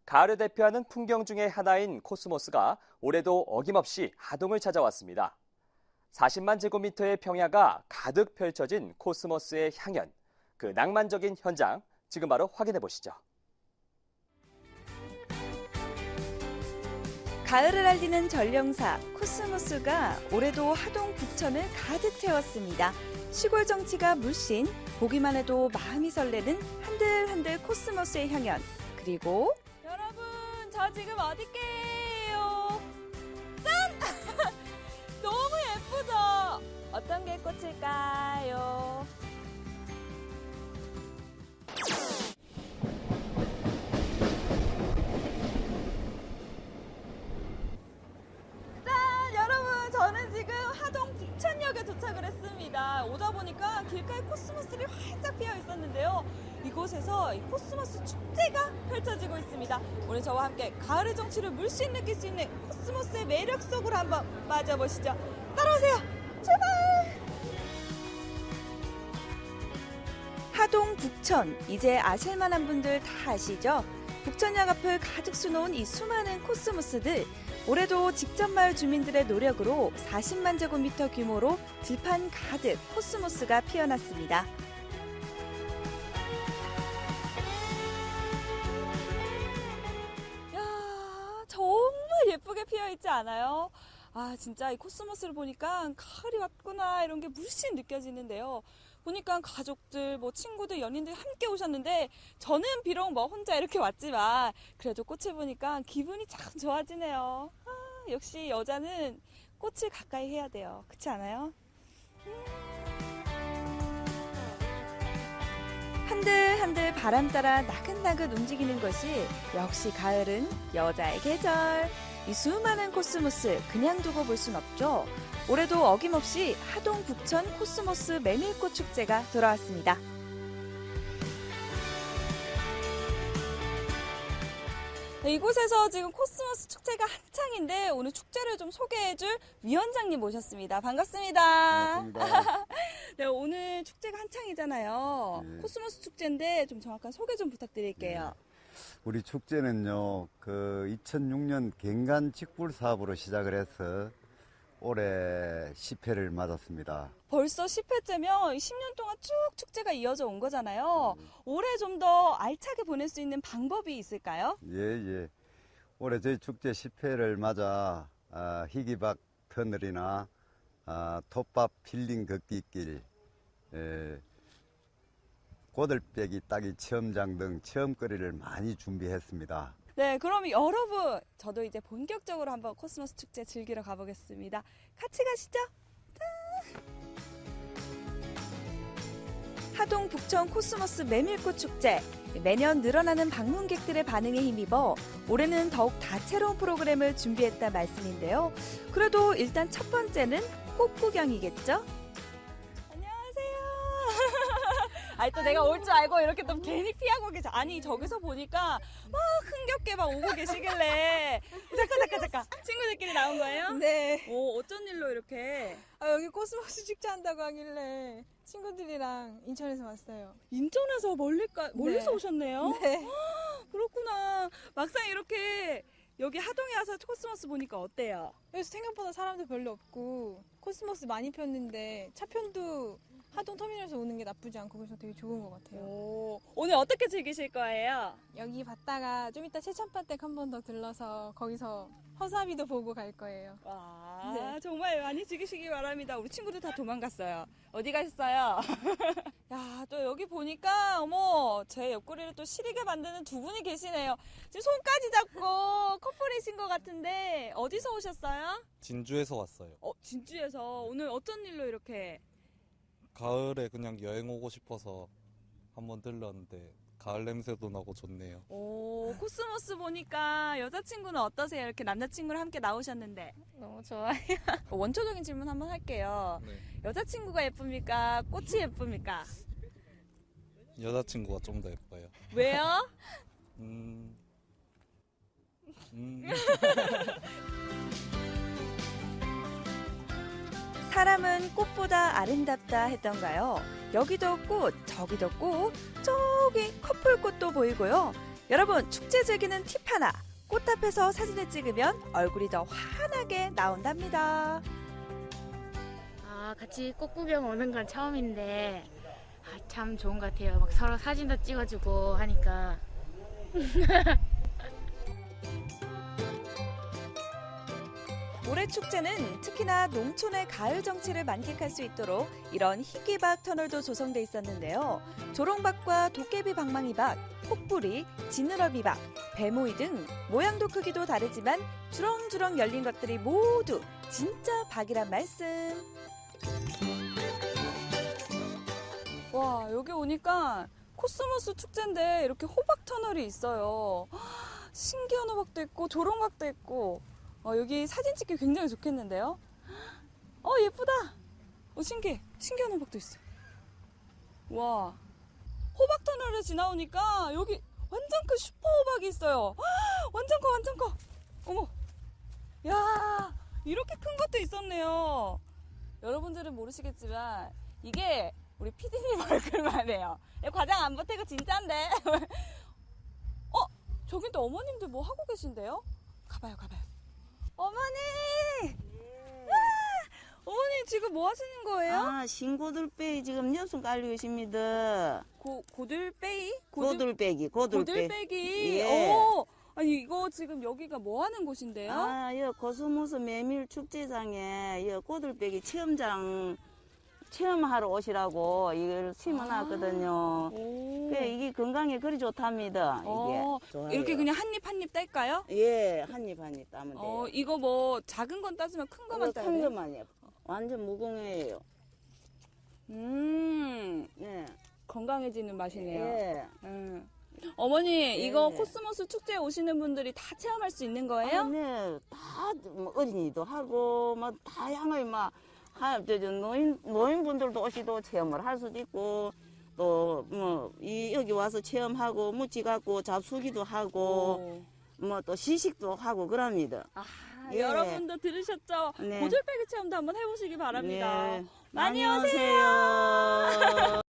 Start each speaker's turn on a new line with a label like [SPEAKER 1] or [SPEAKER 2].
[SPEAKER 1] 가을을 대표하는 풍경 중의 하나인 코스모스가 올해도 어김없이 하동을 찾아왔습니다. 40만 제곱미터의 평야가 가득 펼쳐진 코스모스의 향연, 그 낭만적인 현장 지금 바로 확인해 보시죠.
[SPEAKER 2] 가을을 알리는 전령사 코스모스가 올해도 하동 북천을 가득 채웠습니다. 시골 정취가 물씬, 보기만 해도 마음이 설레는 한들한들 코스모스의 향연. 그리고
[SPEAKER 3] 여러분, 저 지금 어디게요? 짠! 너무 예쁘죠? 어떤 게 꽃일까요? 짠! 여러분, 저는 지금 하동 북천역에 도착을 했습니다. 오다 보니까 길가에 코스모스들이 활짝 피어 있었는데요. 이곳에서 이 코스모스 축제가 펼쳐지고 있습니다. 오늘 저와 함께 가을의 정취를 물씬 느낄 수 있는 코스모스의 매력 속으로 한번 빠져보시죠. 따라오세요. 출발!
[SPEAKER 2] 하동 북천, 이제 아실만한 분들 다 아시죠? 북천역 앞을 가득 수놓은 이 수많은 코스모스들. 올해도 직접 마을 주민들의 노력으로 40만 제곱미터 규모로 들판 가득 코스모스가 피어났습니다.
[SPEAKER 3] 야, 정말 예쁘게 피어있지 않아요? 아, 진짜 이 코스모스를 보니까 가을이 왔구나 이런 게 물씬 느껴지는데요. 보니까 가족들, 친구들, 연인들 함께 오셨는데 저는 비록 혼자 이렇게 왔지만 그래도 꽃을 보니까 기분이 참 좋아지네요. 아, 역시 여자는 꽃을 가까이 해야 돼요. 그렇지 않아요?
[SPEAKER 2] 한들한들 바람 따라 나긋나긋 움직이는 것이 역시 가을은 여자의 계절. 이 수많은 코스모스 그냥 두고 볼 순 없죠. 올해도 어김없이 하동 북천 코스모스 메밀꽃 축제가 돌아왔습니다.
[SPEAKER 3] 네, 이곳에서 지금 코스모스 축제가 한창인데 오늘 축제를 좀 소개해줄 위원장님 모셨습니다. 반갑습니다.
[SPEAKER 4] 반갑습니다.
[SPEAKER 3] 네, 오늘 축제가 한창이잖아요.
[SPEAKER 4] 네.
[SPEAKER 3] 코스모스 축제인데 좀 정확한 소개 좀 부탁드릴게요.
[SPEAKER 4] 우리 축제는요, 2006년 갱간 직불 사업으로 시작을 해서 올해 10회를 맞았습니다.
[SPEAKER 3] 벌써 10회째면 10년 동안 쭉 축제가 이어져 온 거잖아요. 올해 좀 더 알차게 보낼 수 있는 방법이 있을까요?
[SPEAKER 4] 예. 올해 저희 축제 10회를 맞아 희귀박 터널이나 톱밥 필링 걷기길, 고들빼기 따기 체험장 등 체험거리를 많이 준비했습니다.
[SPEAKER 3] 네, 그럼 여러분, 저도 이제 본격적으로 한번 코스모스 축제 즐기러 가보겠습니다. 같이 가시죠.
[SPEAKER 2] 하동 북천 코스모스 메밀꽃 축제. 매년 늘어나는 방문객들의 반응에 힘입어 올해는 더욱 다채로운 프로그램을 준비했다 말씀인데요. 그래도 일단 첫 번째는 꽃 구경이겠죠?
[SPEAKER 3] 안녕하세요. 아니, 또 내가 올 줄 알고 이렇게 또 괜히 피하고 계셔. 아니, 저기서 보니까 막 흥겹게 막 오고 계시길래. 잠깐. 친구들끼리 나온 거예요?
[SPEAKER 5] 네.
[SPEAKER 3] 오, 어쩐 일로 이렇게.
[SPEAKER 5] 여기 코스모스 축제 한다고 하길래 친구들이랑 인천에서 왔어요.
[SPEAKER 3] 인천에서 멀리서
[SPEAKER 5] 네.
[SPEAKER 3] 오셨네요?
[SPEAKER 5] 네.
[SPEAKER 3] 그렇구나. 막상 이렇게 여기 하동에 와서 코스모스 보니까 어때요?
[SPEAKER 5] 여기서 생각보다 사람도 별로 없고 코스모스 많이 폈는데 차편도 하동 터미널에서 오는 게 나쁘지 않고 그래서 되게 좋은 것 같아요.
[SPEAKER 3] 오, 오늘 어떻게 즐기실 거예요?
[SPEAKER 5] 여기 봤다가 좀 이따 세찬바댁 한 번 더 들러서 거기서 허사비도 보고 갈 거예요.
[SPEAKER 3] 와,
[SPEAKER 5] 네.
[SPEAKER 3] 정말 많이 즐기시기 바랍니다. 우리 친구들 다 도망갔어요. 어디 가셨어요? 야, 또 여기 보니까 제 옆구리를 또 시리게 만드는 두 분이 계시네요. 지금 손까지 잡고 커플이신 것 같은데 어디서 오셨어요?
[SPEAKER 6] 진주에서 왔어요.
[SPEAKER 3] 진주에서. 오늘 어떤 일로 이렇게?
[SPEAKER 6] 가을에 그냥 여행 오고 싶어서 한번 들렀는데 가을 냄새도 나고 좋네요.
[SPEAKER 3] 오, 코스모스 보니까 여자친구는 어떠세요? 이렇게 남자친구랑 함께 나오셨는데.
[SPEAKER 7] 너무 좋아요.
[SPEAKER 3] 원초적인 질문 한번 할게요.
[SPEAKER 6] 네.
[SPEAKER 3] 여자친구가 예쁩니까? 꽃이 예쁩니까?
[SPEAKER 6] 여자친구가 좀 더 예뻐요.
[SPEAKER 3] 왜요?
[SPEAKER 2] 사람은 꽃보다 아름답다 했던가요? 여기도 꽃, 저기도 꽃, 저기 커플꽃도 보이고요. 여러분, 축제 즐기는 팁 하나. 꽃 앞에서 사진을 찍으면 얼굴이 더 환하게 나온답니다.
[SPEAKER 7] 같이 꽃 구경 오는 건 처음인데 참 좋은 것 같아요. 막 서로 사진도 찍어주고 하니까.
[SPEAKER 2] 올해 축제는 특히나 농촌의 가을 정취를 만끽할 수 있도록 이런 희귀박 터널도 조성돼 있었는데요. 조롱박과 도깨비 방망이박, 폭부리, 지느러미박, 배모이 등 모양도 크기도 다르지만 주렁주렁 열린 것들이 모두 진짜 박이란 말씀.
[SPEAKER 3] 와, 여기 오니까 코스모스 축제인데 이렇게 호박 터널이 있어요. 신기한 호박도 있고 조롱박도 있고 여기 사진 찍기 굉장히 좋겠는데요. 예쁘다. 신기한 호박도 있어요. 와, 호박 터널을 지나오니까 여기 완전 큰 슈퍼 호박이 있어요. 완전 커. 어머, 야, 이렇게 큰 것도 있었네요. 여러분들은 모르시겠지만 이게 우리 피디님 얼굴만 해요. 과장 안 보태고 진짠데. 저긴 또 어머님들 뭐 하고 계신데요? 가봐요. 어머니! 어머니 지금 뭐 하시는 거예요?
[SPEAKER 8] 신고들빼기 지금 녀석 깔리고 있습니다.
[SPEAKER 3] 고들빼이?
[SPEAKER 8] 고들빼기.
[SPEAKER 3] 예. 아니 이거 지금 여기가 뭐 하는 곳인데요?
[SPEAKER 8] 여 코스모스 메밀 축제장에 여 고들빼기 체험하러 오시라고 이걸 심어놨거든요. 이게 건강에 그리 좋답니다. 이게 좋아요.
[SPEAKER 3] 이렇게 그냥 한 입 딸까요?
[SPEAKER 8] 예, 한 입 따면 돼요.
[SPEAKER 3] 이거 뭐 작은 건 따지면 큰 거만 따야
[SPEAKER 8] 큰
[SPEAKER 3] 돼요?
[SPEAKER 8] 것만이요. 완전 무공해예요.
[SPEAKER 3] 네. 건강해지는 맛이네요.
[SPEAKER 8] 예.
[SPEAKER 3] 어머니, 이거 코스모스 축제에 오시는 분들이 다 체험할 수 있는 거예요?
[SPEAKER 8] 네, 다 어린이도 하고 다양하게 노인분들도 오시도 체험을 할 수도 있고 또 여기 와서 체험하고 묻지 갖고 잡수기도 하고 또 시식도 하고 그럽니다. 예.
[SPEAKER 3] 여러분도 들으셨죠?
[SPEAKER 8] 네.
[SPEAKER 3] 고들빼기 체험도 한번 해보시기 바랍니다.
[SPEAKER 8] 네.
[SPEAKER 3] 많이 오세요.